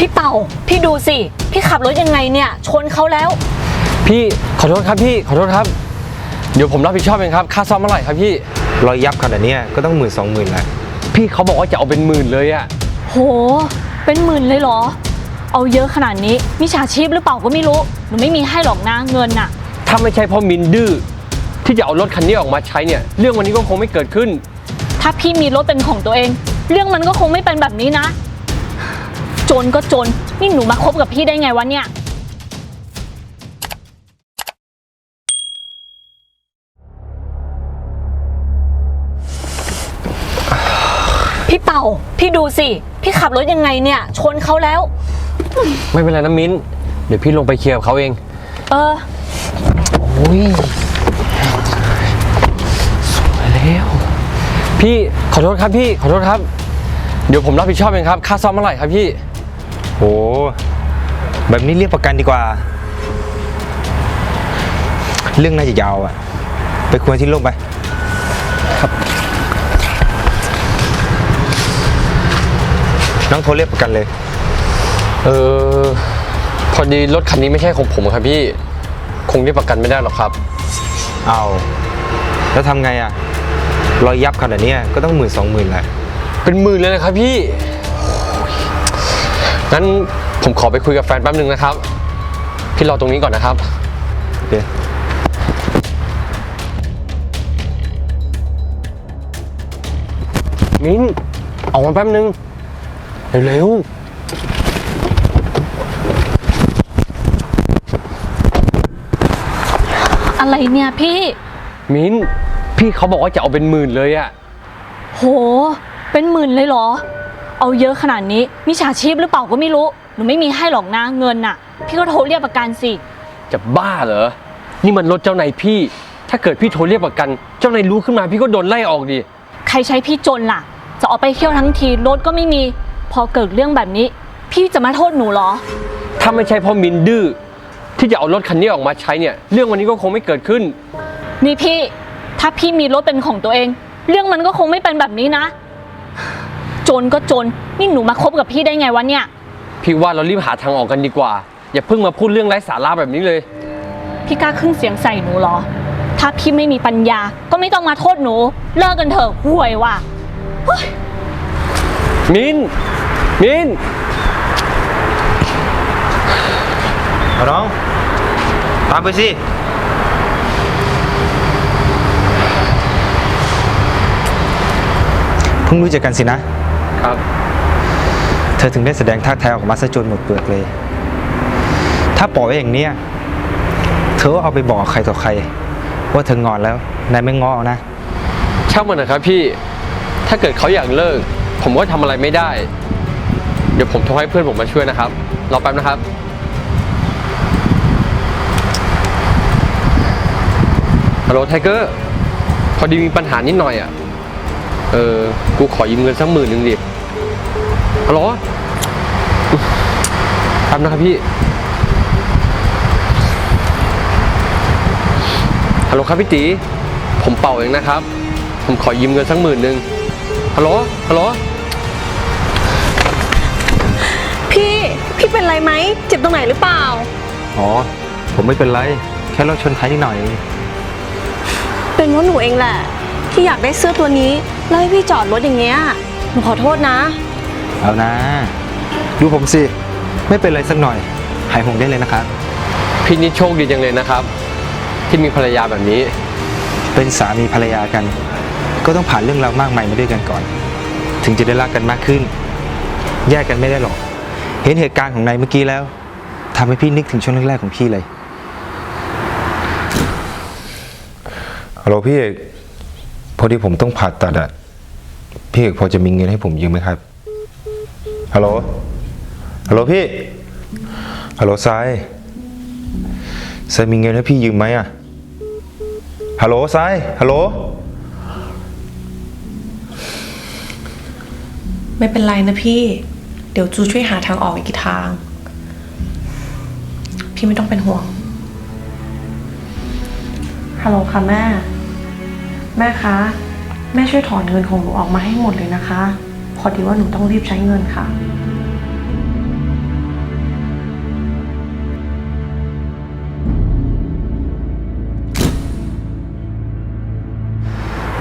พี่เป่าพี่ดูสิพี่ขับรถยังไงเนี่ยชนเขาแล้วพี่ขอโทษครับพี่ขอโทษครับเดี๋ยวผมรับผิดชอบเองครับค่าซ่อมเท่าไหร่ครับพี่รอยยับขนาดนี้ก็ต้อง10,000-20,000แหละพี่เขาบอกว่าจะเอาเป็นหมื่นเลยอะโหเป็นหมื่นเลยเหรอเอาเยอะขนาดนี้มิจฉาชีพหรือเปล่าก็ไม่รู้หนูไม่มีให้หรอกนะเงินน่ะถ้าไม่ใช่เพราะมินดื้อที่จะเอารถคันนี้ออกมาใช้เนี่ยเรื่องวันนี้ก็คงไม่เกิดขึ้นถ้าพี่มีรถเป็นของตัวเองเรื่องมันก็คงไม่เป็นแบบนี้นะจนก็จนนี่หนูมาคบกับพี่ได้ไงวะเนี่ยพี่เป่าพี่ดูสิพี่ขับรถยังไงเนี่ยชนเขาแล้วไม่เป็นไรนะมิ้นเดี๋ยวพี่ลงไปเคลียร์กับเขาเองโอ้ยสวยแล้วพี่ขอโทษครับพี่ขอโทษครับเดี๋ยวผมรับผิดชอบเองครับค่าซ่อมเท่าไหร่ครับพี่โอ้แบบนี้เรียกประกันดีกว่าเรื่องน่าจะยาวอ่ะไปคุยที่โรงไปครับน้องโทรเรียกประกันเลยพอดีรถคันนี้ไม่ใช่ของผมครับพี่คงเรียกประกันไม่ได้หรอกครับเอาแล้วทำไงอ่ะรอยยับขนาดนี้ก็ต้อง10,000-20,000แหละเป็นหมื่นเลยนะครับพี่งั้นผมขอไปคุยกับแฟนแป๊บนึงนะครับพี่รอตรงนี้ก่อนนะครับโอเคมิ้นออกมาแป๊บนึงเร็วอะไรเนี่ยพี่มิ้นพี่เขาบอกว่าจะเอาเป็นหมื่นเลยอะโหเป็นหมื่นเลยเหรอเอาเยอะขนาดนี้มิจฉาชีพหรือเปล่าก็ไม่รู้หนูไม่มีให้หรอกนะเงินน่ะพี่ก็โทรเรียกประกันสิจะบ้าเหรอนี่มันรถเจ้านายพี่ถ้าเกิดพี่โทรเรียกประกันเจ้านายรู้ขึ้นมาพี่ก็โดนไล่ออกดิใครใช้พี่จนล่ะจะออกไปเที่ยวทั้งทีรถก็ไม่มีพอเกิดเรื่องแบบนี้พี่จะมาโทษหนูเหรอถ้าไม่ใช่เพราะมินดื้อที่จะเอารถคันนี้ออกมาใช้เนี่ยเรื่องวันนี้ก็คงไม่เกิดขึ้นนี่พี่ถ้าพี่มีรถเป็นของตัวเองเรื่องมันก็คงไม่เป็นแบบนี้นะจนก็จนนี่หนูมาคบกับพี่ได้ไงวะเนี่ยพี่ว่าเรารีบหาทางออกกันดีกว่าอย่าเพิ่งมาพูดเรื่องไร้สาระแบบนี้เลยพี่กล้าขึ้นเสียงใส่หนูเหรอถ้าพี่ไม่มีปัญญาก็ไม่ต้องมาโทษหนูเลิกกันเถอะห่วยว่ะมินน้องตามไปสิเพิ่งรู้จักกันสินะครับเธอถึงได้แสดงท่าแท้ออกมาซะจนหมดเปลือกเลยถ้าปล่อยไว้อย่างนี้เธอเอาไปบอกใครต่อใครว่าเธองอนแล้วนายไม่ง้อเอานะช่างมันนะครับพี่ถ้าเกิดเขาอยากเลิกผมก็ทำอะไรไม่ได้เดี๋ยวผมโทรให้เพื่อนผมมาช่วยนะครับรอแป๊บนะครับฮัลโหลไทเกอร์พอดีมีปัญหานิดหน่อยอ่ะกูขอยืมเงินสัก10,000ดิฮัลโหลแป๊บนะครับพี่ฮัลโหลครับพี่ตีผมเป่าเองนะครับผมขอยืมเงินสัก10,000ฮัลโหลพี่เป็นไรไหมเจ็บตรงไหนหรือเปล่าอ๋อผมไม่เป็นไรแค่รถชนท้ายนิดหน่อยเป็นเพราะหนูเองแหละที่อยากได้เสื้อตัวนี้แล้วให้พี่จอดรถอย่างเงี้ยหนูขอโทษนะเอานะดูผมสิไม่เป็นไรสักหน่อยหายห่วงได้เลยนะครับพี่นี่โชคดีจังเลยนะครับที่มีภรรยาแบบนี้เป็นสามีภรรยากันก็ต้องผ่านเรื่องราวมากมายมาด้วยกันก่อนถึงจะได้รักกันมากขึ้นแยกกันไม่ได้หรอกเห็นเหตุการณ์ของนายเมื่อกี้แล้วทำให้พี่นึกถึงช่วงแรกๆของพี่เลยฮัลโหลพี่เอกพอดีผมต้องผ่าตัดอะพี่เอกพอจะมีเงินให้ผมยืมไหมครับฮัลโหลพี่ฮัลโหลทรายมีเงินให้พี่ยืมไหมอะฮัลโหลทรายฮัลโหลไม่เป็นไรนะพี่เดี๋ยวจูช่วยหาทางออกอีกทางพี่ไม่ต้องเป็นห่วงฮัลโหลค่ะแม่คะแม่ช่วยถอนเงินของหนูออกมาให้หมดเลยนะคะพอดีว่าหนูต้องรีบใช้เงินค่ะ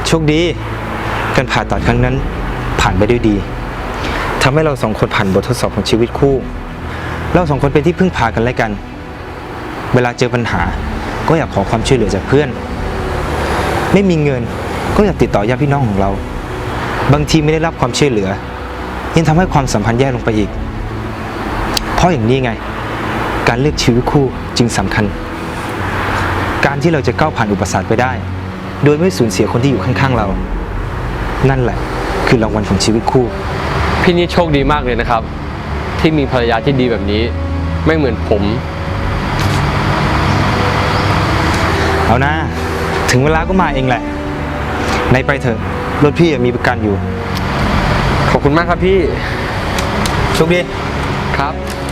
โชคดีการผ่าตัดครั้งนั้นผ่านไปด้วยดีทำให้เราสองคนผ่านบททดสอบของชีวิตคู่เราสองคนเป็นที่พึ่งพากันและกัน เวลาเจอปัญหาก็อยากขอความช่วยเหลือจากเพื่อนไม่มีเงินก็อยากติดต่อญาติพี่น้องของเราบางทีไม่ได้รับความช่วยเหลือยังทำให้ความสัมพันธ์แย่ลงไปอีกเพราะอย่างนี้ไงการเลือกชีวิตคู่จึงสำคัญการที่เราจะก้าวผ่านอุปสรรคไปได้โดยไม่สูญเสียคนที่อยู่ข้างๆเรานั่นแหละคือรางวัลของชีวิตคู่พี่นี่โชคดีมากเลยนะครับ ที่มีภรรยาที่ดีแบบนี้ ไม่เหมือนผมเอานะถึงเวลาก็มาเองแหละในไปเถอะรถพี่มีประกันอยู่ขอบคุณมากครับพี่โชคดีครับ